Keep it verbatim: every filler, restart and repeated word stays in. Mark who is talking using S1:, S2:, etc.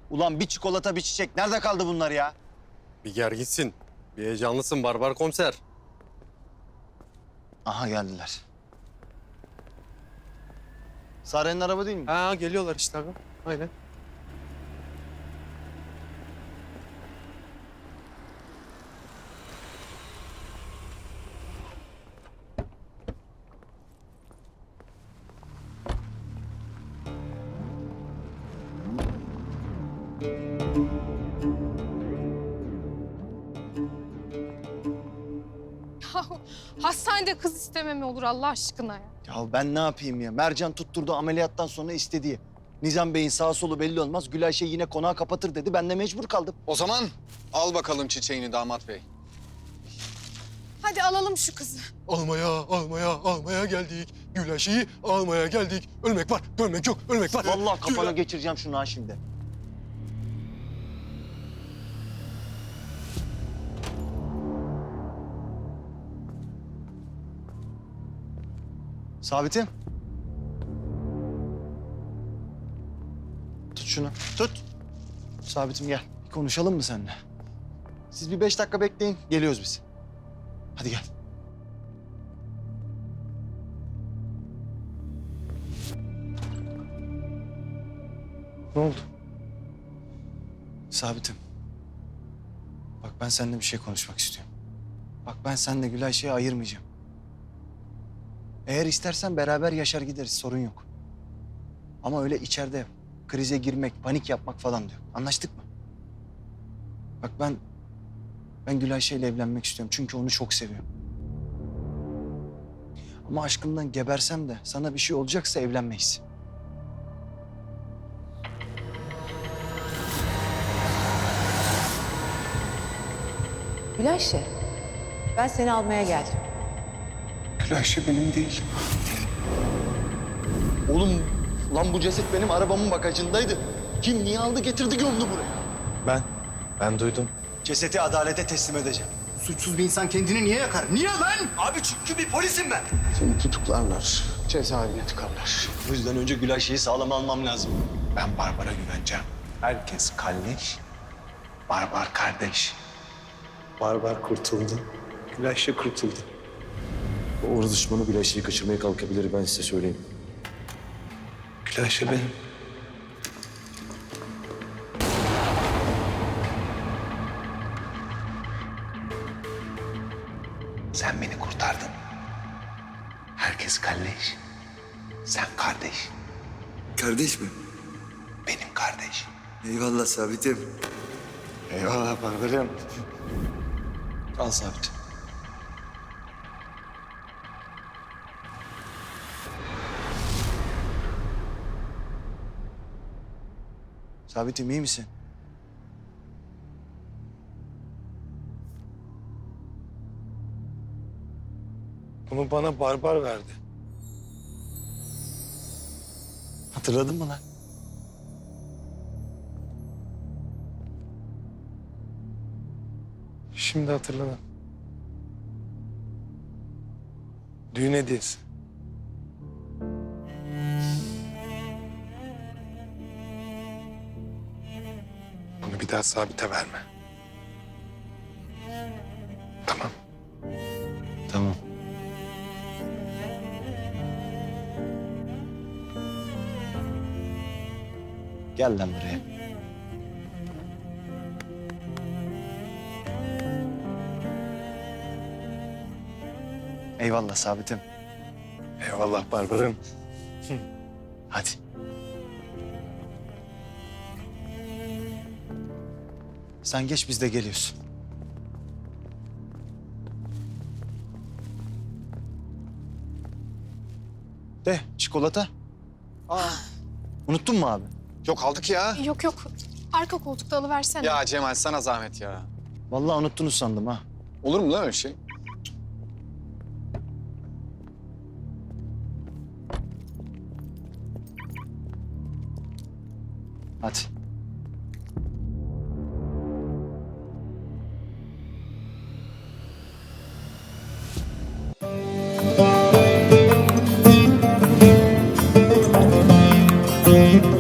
S1: Ulan bir çikolata bir çiçek. Nerede kaldı bunlar ya?
S2: Bir ger gitsin. Bir heyecanlısın barbar komiser.
S1: Aha geldiler. Sare'nin araba değil mi?
S2: Ha geliyorlar işte abi. Aynen.
S3: Hastanede kız isteme mi olur Allah aşkına ya?
S1: Ya ben ne yapayım ya? Mercan tutturdu ameliyattan sonra istediği. Nizam Bey'in sağ solu belli olmaz. Gülayşe yine konağı kapatır dedi. Ben de mecbur kaldım.
S4: O zaman al bakalım çiçeğini damat bey.
S3: Hadi alalım şu kızı.
S2: Almaya, almaya, almaya geldik. Güleşi'yi almaya geldik. Ölmek var, dönmek yok. Ölmek var.
S1: Vallahi kafana
S2: Güle-
S1: geçireceğim şunu ha şimdi. Sabit'im. Tut şunu. Tut. Sabit'im gel. Bir konuşalım mı seninle? Siz bir beş dakika bekleyin. Geliyoruz biz. Hadi gel. Ne oldu? Sabit'im. Bak ben seninle bir şey konuşmak istiyorum. Bak ben seninle Gülayşe'yi ayırmayacağım. Eğer istersen beraber yaşar gideriz, sorun yok. Ama öyle içeride krize girmek, panik yapmak falan diyor. Anlaştık mı? Bak ben, ben Gülayşe ile evlenmek istiyorum çünkü onu çok seviyorum. Ama aşkımdan gebersem de sana bir şey olacaksa evlenmeyiz.
S5: Gülayşe, ben seni almaya geldim.
S1: Gülayşe benim değil. Oğlum, lan bu ceset benim arabamın bagajındaydı. Kim niye aldı getirdi gömdü buraya?
S6: Ben, ben duydum.
S1: Ceseti adalete teslim edeceğim.
S6: Suçsuz bir insan kendini niye yakar? Niye lan?
S1: Abi çünkü bir polisim ben.
S6: Seni tutuklarlar, cezaevine tıkarlar.
S1: O yüzden önce Gülayşe'yi sağlam almam lazım.
S6: Ben Barbar'a güveneceğim. Herkes kardeş, Barbar kardeş. Barbar kurtuldu, Gülayşe kurtuldu.
S7: O Uğur düşmanı Gülayşe'yi kaçırmaya kalkabilir, ben size söyleyeyim.
S6: Gülayşe benim. Sen beni kurtardın. Herkes kardeş. Sen kardeş.
S8: Kardeş mi?
S6: Benim kardeş.
S8: Eyvallah Sabit'im.
S6: Eyvallah Barbar'ım.
S1: Al Sabit. Sabit'im iyi misin?
S6: Bunu bana Barbar verdi.
S1: Hatırladın mı lan?
S6: Şimdi hatırladım. Düğün hediyesi. Bunu bir daha Sabit'e verme. Tamam.
S1: Tamam. Gel lan buraya. Eyvallah Sabit'im.
S6: Eyvallah Barbar'ım.
S1: Hadi. Sen geç biz de geliyoruz. De çikolata. Aa. Unuttun mu abi?
S4: Yok aldık ya.
S3: Yok yok. Arka koltukta alıversene.
S4: Ya Cemal sana zahmet ya.
S1: Vallahi unuttunuz sandım ha.
S4: Olur mu lan öyle şey?
S1: Hadi.
S9: Thank you.